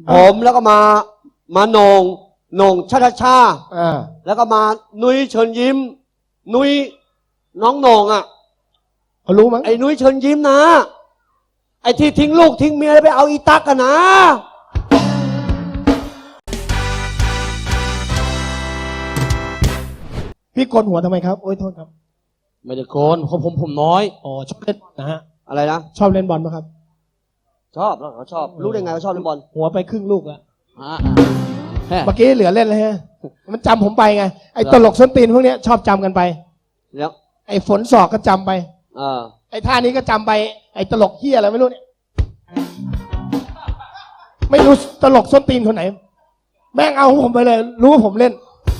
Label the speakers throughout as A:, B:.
A: ผมแล้วก็มาโหน่งชาชาชาแล้วก็มานุ้ยเชิญยิ้มนุ้ยน้องโหน่งอ่ะ
B: เขารู้มั้ง
A: ไอ้นุ้ยเชิญยิ้มนะไอ้ที่ทิ้งลูกทิ้งเมียแล้วไปเอาอีตักกันนะ
B: พี่โกนหัวทำไมครับโอ้ยโทษครับ
A: ไม่ได้โกนผมน้อย
B: อ๋อชอบเล่นนะฮะ
A: อะไรนะ
B: ชอบเล่นบอลไหมครับ
A: ชอบแล้วเขาชอบรู้ได้ไงเขาชอบเล่นบอล
B: หัวไปครึ่งลูกแล้ว
A: เ
B: มื่อกี้เหลือเล่นเลยฮะมันจำผมไปไงไอ้ตลกส้นตีนพวกนี้ชอบจำกันไป
A: แล้ว
B: ไอ้ฝนศอกก็จำไปไอ้ท่านี้ก็จำไปไอ้ตลกเฮียอะไรไม่รู้เนี่ยไม่รู้ตลกส้นตีนคนไหนแม่งเอาผมไปเลยรู้ว่าผมเล่น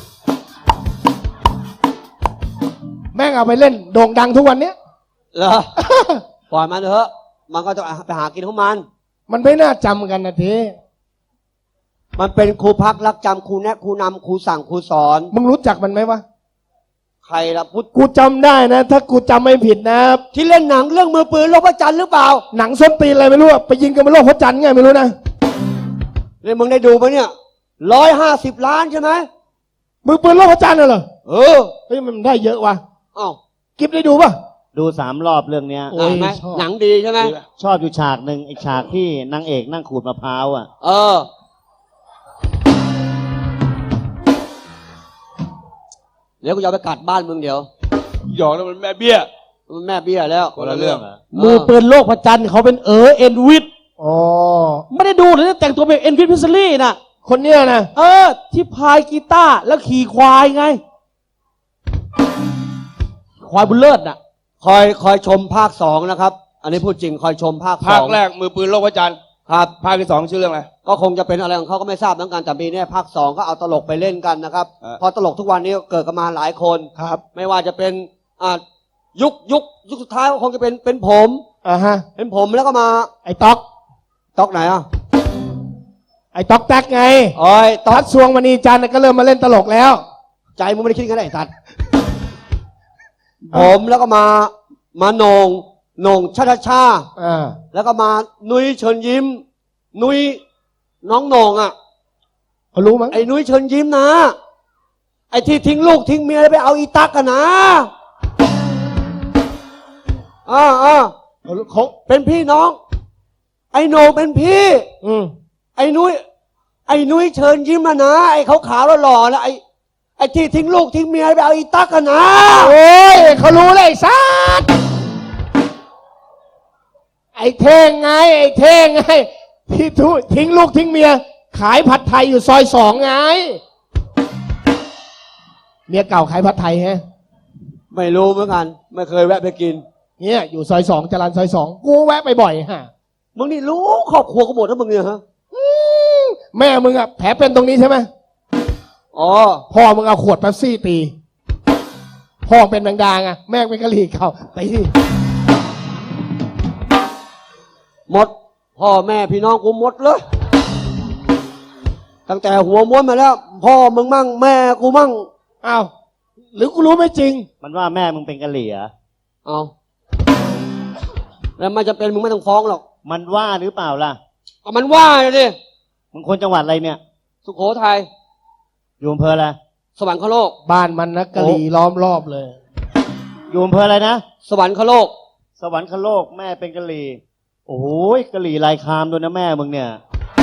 B: แม่งเอาไปเล่นโด่งดังทุกวันเนี้ย
A: เหรอปล่อยมันเถอะมันก็จะไปหากินของมัน
B: ไม่น่าจำกันนะที
A: มันเป็นครูพักรักจำครูแนะครูนำครูสั่งครูสอน
B: มึงรู้จักมันไหมวะ
A: ใครล่ะพุทธ
B: กูจำได้นะถ้ากูจำไม่ผิดนะ
A: ที่เล่นหนังเรื่องมือปืนโลกพระจันทร์หรือเปล่า
B: หนังส้นตีนอะไรไม่รู้ไปยิงกันบนโลกพระจันทร์ไงไม่รู้นะ
A: เนี่ยมึงได้ดูไหมเนี่ย150 ล้านใช่ไหม
B: มือปืนโลกพระจันทร์เหรอ
A: เฮ้
B: ยมันได้เยอะว่ะ
A: อ้าว
B: กิ๊บได้ดูป่ะ
C: ดู3 รอบเรื่องเนี้ย
A: ไหมหนังดีใช่ไหม
C: ชอบอยู่ฉากหนึ่งไอ้ฉากที่นางเอกนั่งขูดมะพร้าวอ่ะ
A: เดี๋ยวกูจะไปกัดบ้านมึงเดี๋ยว
D: หยอกแล้วมันแม่เบี้ย
A: มันแม่เบี้ยแล้ว
D: คนละเรื่อง
B: มือปืนโลกพระจันทร์เขาเป็นเอ็นวิทอ๋อไม่ได้ดูเลยแต่งตัวเป็นเอ็นวิทพิซซี่น่ะคนเนี้ยนะที่พายกีตาร์แล้วขี่ควายไงควายบุญเลิศน่ะ
A: คอยชมภาค2นะครับอันนี้พูดจริงคอยชมภาค
D: แรกมือปืนโลกพระจันทร์
A: ครับ
D: ภาคที่2ชื่อเรื่องอะไร
A: ก็คงจะเป็นอะไรของเขาก็ไม่ทราบเหมือนกันแต่ปีนี้ภาค2ก็เอาตลกไปเล่นกันนะครับพอตลกทุกวันนี้เกิดกันมาหลายคน
B: ครับ
A: ไม่ว่าจะเป็นยุคสุดท้ายก็คงจะเป็นผมเป็นผมแล้วก็มา
B: ไอ้ต๊อก
A: ไหน
B: ไอ้ต๊อกแท็กไง
A: ต๊
B: อกสวงมณีจันทร์ก็เริ่มมาเล่นตลกแล้ว
A: ใจมึงไม่ได้คิดกันไอ้สัตว์ผมแล้วก็มาโหน่งชาชาชาแล้วก็มานุ้ยเชิญยิ้มนุ้ยน้องโหน่งอ่ะ
B: เขารู้มั้ง
A: ไอ้นุ้ยเชิญยิ้มนะไอ้ที่ทิ้งลูกทิ้งเมียแล้วไปเอาอีตักกันนะ
B: เขา
A: เป็นพี่น้องไอ้โหน่งเป็นพี่ไอ้นุ้ยเชิญยิ้มนะไอ้ขาวๆหล่อๆนะไอ้ที่ทิ้งลูกทิ้งเมียไปเอาอีตักกันนะ
B: โอ้ยเขารู้เลยไอ้สัสไอ้เท่งไงที่ทิ้งลูกทิ้งเมียขายผัดไทยอยู่ซอย2ไงเมียเก่าขายผัดไทยฮะ
A: ไม่รู้เหมือนกันไม่เคยแวะไปกิน
B: เนี่ยอยู่ซอย2จรัญซอย2กูแวะไปบ่อยฮะ
A: มึงนี่รู้ครอบครัวกูหมดแล้วมึงเนี่ยฮะ
B: แม่มึงอะแผลเป็นตรงนี้ใช่ไหมพ่อมึงเอาขวดเป๊ปซี่ตีพ่อเป็นแมงดาไงแม่เป็นกะหรี่เขาตี
A: หมดพ่อแม่พี่น้องกูหมดเลยตั้งแต่หัวม้วนมาแล้วพ่อมึงมั่งแม่กูมั่ง
B: อ้าวหรือกูรู้ไม่จริง
C: มันว่าแม่มึงเป็นกะหรี่เหรอ
A: แล้วมันจะเป็นมึงไม่ต้องฟ้องหรอก
C: มันว่าหรือเปล่าล่ะ
A: มันว่าเลยดิ
C: มึงคนจังหวัดอะไรเนี่ย
A: สุโขทัย
C: อยู่อำเภออะไร
A: สวรรคโลก
B: บ้านมันนะกะหรี่ล้อมรอบเลย
C: อยู่อำเภออะไรนะ
A: สวรรคโลก
C: แม่เป็นกะหรี่โอ้โหกะหรี่ลายคามด้วยนะแม่มึงเนี่ย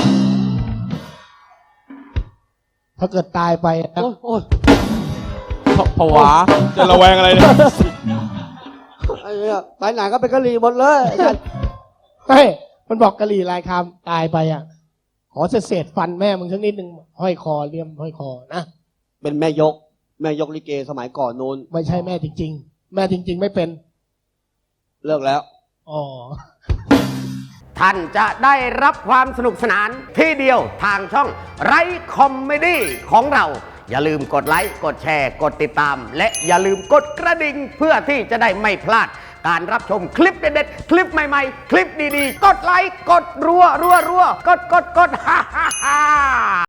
B: ถ้าเกิดตายไป
A: โอ้ย
D: ผวาจะระแวงอะไรเนี่ย
A: ไอ้เนี่ยไปไหนก็เป็นกะหรี่หมดเลย
B: มันบอกกะหรี่ลายคามตายไปอ่ะขอเศษฟันแม่มึงสักนิดนึงห้อยคอเลี่ยมห้อยคอนะ
A: เป็นแม่ยกลิเกสมัยก่อนนู้น
B: ไม่ใช่แม่จริงๆแม่จริงๆไม่เป็น
A: เลิกแล้ว
E: ท่านจะได้รับความสนุกสนานที่เดียวทางช่องไรคอมเมดี้ของเราอย่าลืมกดไลค์กดแชร์กดติดตามและอย่าลืมกดกระดิ่งเพื่อที่จะได้ไม่พลาดการรับชมคลิปเด็ดๆคลิปใหม่ๆคลิปดีๆกดไลค์กดรัวกดฮ่า